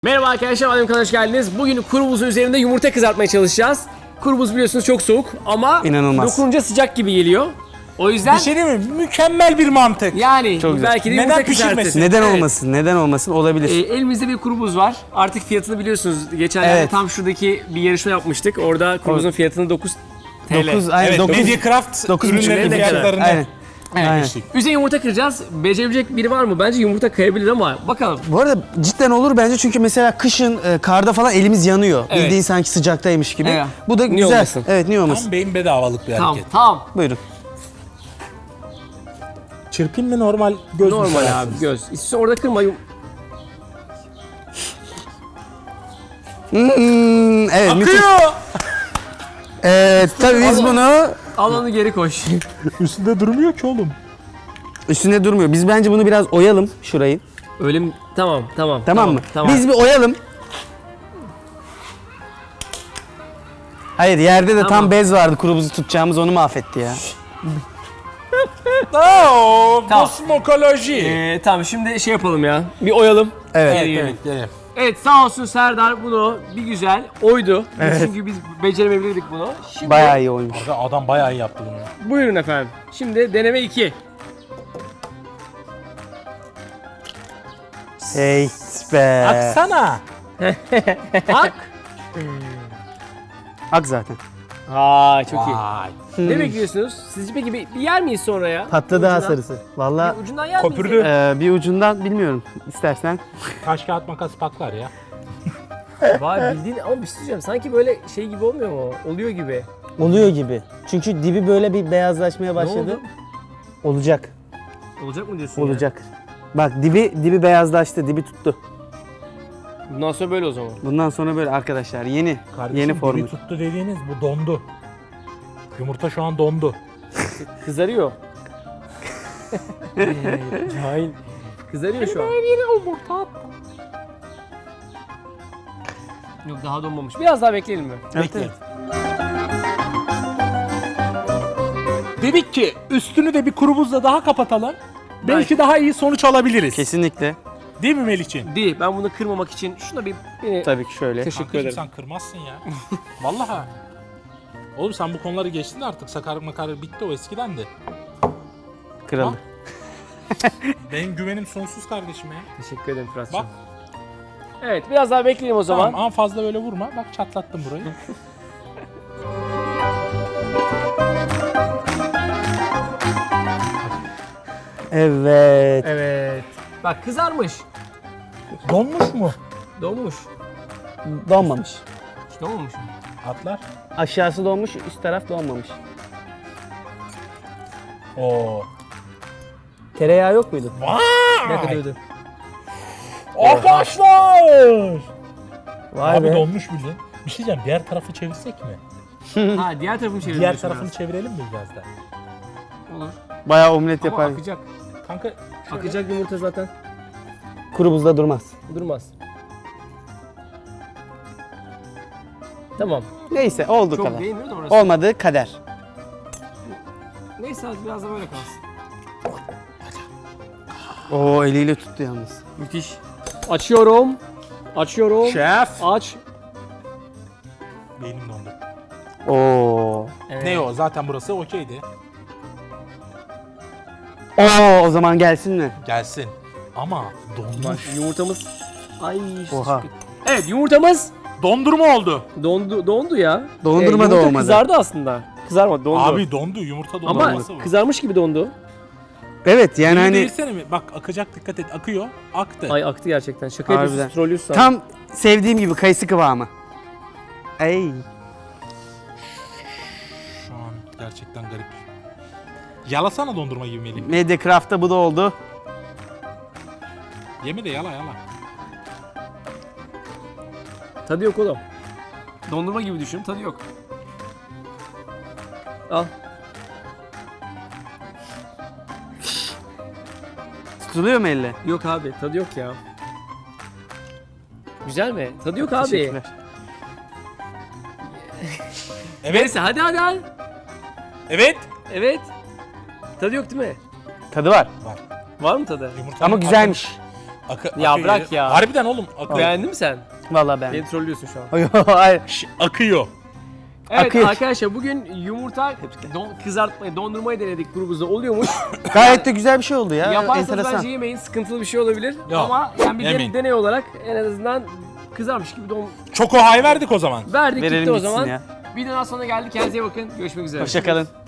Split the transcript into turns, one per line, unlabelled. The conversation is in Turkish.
Merhaba arkadaşlar, Adem kanalına hoş geldiniz. Bugün kuru buzun üzerinde yumurta kızartmaya çalışacağız. Kuru buz biliyorsunuz çok soğuk ama
İnanılmaz.
dokununca sıcak gibi geliyor. O yüzden
Bir şey değil mi? Mükemmel bir mantık.
yani
Çok güzel.
belki de
Neden
yumurta
pişirmesin?
kızartır.
Neden
Evet.
olmasın? Neden olmasın? Olabilir.
Elimizde bir kuru buz var. Artık fiyatını biliyorsunuz. Geçenlerde
Evet.
tam şuradaki bir yarışma yapmıştık. Orada kuru buzun fiyatını 9 TL.
9 aynen
Evet,
9.
Mediacraft
9,5
ürünlerin
ne kadar?
fiyatlarını
Aynen. Aynen.
vermiştik.
Üzerine yumurta kıracağız. Becerebilecek biri var mı? Bence yumurta kayabilir ama bakalım.
Bu arada cidden olur bence çünkü mesela kışın karda falan elimiz yanıyor.
Evet.
Bildiğin sanki sıcaktaymış gibi.
Evet.
Bu da
Niye
güzel.
olmasın?
Evet, niye olmasın?
Tam beyin bedavalık bir
Tamam,
hareket.
tamam.
Buyurun.
Çırpayım mı normal göz mü
Normal abi
seversiniz?
göz. İstiyorsan orada kırma.
Evet, müthiş.
Akıyor!
Tabii biz bunu
Al onu geri koş.
Üstünde durmuyor ki oğlum.
üstünde durmuyor. Biz bence bunu biraz oyalım şurayı.
Öyle mi? Tamam.
Tamam mı?
Tamam.
Biz bir oyalım. Hayır, yerde de
Tamam.
tam bez vardı, kuru buzu tutacağımız, onu mahvetti ya.
Ooo,
Tamam.
kosmokoloji.
Tamam şimdi şey yapalım ya. Bir oyalım.
Evet.
Geri
Evet,
gelin.
evet.
Evet sağ olsun Serdar bunu bir güzel oydu. Çünkü biz beceremeyebilirdik bunu. Şimdi
Bayağı iyi oymuş.
Adam bayağı iyi yaptı bunu.
buyurun efendim. Şimdi deneme 2.
Hey be.
Aksana.
Ak.
Ak zaten.
Ha çok iyi.
Vay.
Ne bekliyorsunuz? Sizce peki bir yer miyiz sonra ya?
Patladı ha
Ucundan.
sarısı. Vallahi
Bir ucundan yer
Köpürdü.
miyiz? ya?
bir ucundan bilmiyorum. İstersen.
Taş kağıt makas patlar ya.
Vay bildiğin ama bir şey söyleyeceğim. Sanki böyle şey gibi olmuyor mu? Oluyor gibi.
Oluyor gibi. Çünkü dibi böyle bir beyazlaşmaya
Ne
başladı.
oldu?
Olacak.
Olacak mı diyorsun ya?
Olacak. Bak dibi beyazlaştı, dibi tuttu.
Bundan sonra böyle o zaman.
Bundan sonra böyle arkadaşlar yeni
Kardeşim,
yeni
dibi
formül.
tuttu dediğiniz bu dondu. Yumurta şu an dondu.
Kızarıyor. Cahil. Kızarıyor şu an. Yok daha donmamış. Biraz daha bekleyelim mi?
Evet,
Bekle.
evet.
Dedik ki üstünü de bir kuru buzla daha kapatalım. Belki daha iyi sonuç alabiliriz.
Kesinlikle.
Değil mi Melih'ciğim?
Değil. Ben bunu kırmamak için şuna bir beni...
Tabii ki şöyle.
Teşekkür
Kankacığım
ederim.
sen kırmazsın ya. Vallahi. Oğlum sen bu konuları geçtin de artık, sakarlık makarlık bitti, o eskidendi.
Kırıldı.
Benim güvenim sonsuz kardeşime ya.
Teşekkür ederim Fırat'cığım.
Bak.
Evet biraz daha bekleyelim o zaman.
Tamam ama fazla böyle vurma. Bak çatlattım burayı.
Evet.
Evet. Bak kızarmış.
Donmuş mu?
Donmuş.
Donmamış.
Hiç donmamış mı?
Atlar.
Aşağısı donmuş, üst taraf donmamış.
Oo.
Tereyağı yok muydu?
Ne kadar ödü?
Arkadaşlar!
Vay
Abi
be.
donmuş bildiğin. Bir şey diyeceğim, diğer tarafı çevirsek mi?
Ha diğer tarafını çevirelim.
Diğer
diyorsun
tarafını
biraz.
çevirelim mi biraz da?
Olur.
Bayağı omlet
Ama
yapar.
akacak.
Kanka şöyle.
Akacak yumurta zaten.
Kuru buzda durmaz.
Durmaz. Tamam.
Neyse, oldu
Çok
kadar.
değmiyor da orası.
Olmadı kader.
Neyse hadi biraz da böyle kalsın.
Oo, eliyle tuttu yalnız.
Müthiş. Açıyorum. Açıyorum.
Şef.
Aç.
Beynim dondu.
Oo.
Evet.
Ne o? Zaten burası okeydi.
Oo, o zaman gelsin mi?
Gelsin. Ama
Bak
donmuş.
yumurtamız. Ay.
Oha.
Evet yumurtamız
Dondurma oldu.
dondu ya.
Dondurma da
yumurta
olmadı.
kızardı aslında. Kızarmadı dondu.
Abi dondu. Yumurta dondu.
ama kızarmış gibi dondu.
Evet, yani
Hani...
hani
Değilsene mi? Bak akacak, dikkat et. Akıyor. Aktı.
Ay aktı gerçekten. Şaka
Harbiden.
yapıyorsunuz, trollüyorsun.
tam sevdiğim gibi kayısı kıvamı. Ey.
Şu an gerçekten garip. Yalasana dondurma gibi Melih.
Mediacraft'ta bu da oldu.
Yeme de yala yala.
Tadı yok oğlum. Dondurma gibi düşün, tadı yok. Al.
Tutuluyor mu elle?
Yok abi, tadı yok ya. Güzel mi? Tadı yok abi.
Teşekkürler.
Evet.
Neyse hadi.
Evet.
Evet. Tadı yok değil mi?
Tadı var.
Var mı tadı?
Yumurtanın
Ama güzelmiş.
Ya
akıyor.
bırak ya.
Harbiden oğlum akıyor.
Beğendin mi sen?
Vallahi ben.
Beni trollüyorsun şu an.
Hayır.
Akıyor.
Evet
Akıyor.
arkadaşlar bugün yumurta kızartmayı, dondurmayı denedik grubumuzda oluyormuş.
Gayet de güzel bir şey oldu ya.
Yaparsanız
Enteresan.
bence yemeyin, sıkıntılı bir şey olabilir.
Yok,
Ama yani bir
yemeyin.
deney olarak en azından kızarmış gibi
Choco High verdik o zaman.
verdik
Verelim
gitti o
gitsin
zaman.
ya.
Videodan sonra geldik. Kendinize iyi bakın. Görüşmek üzere.
Hoşçakalın.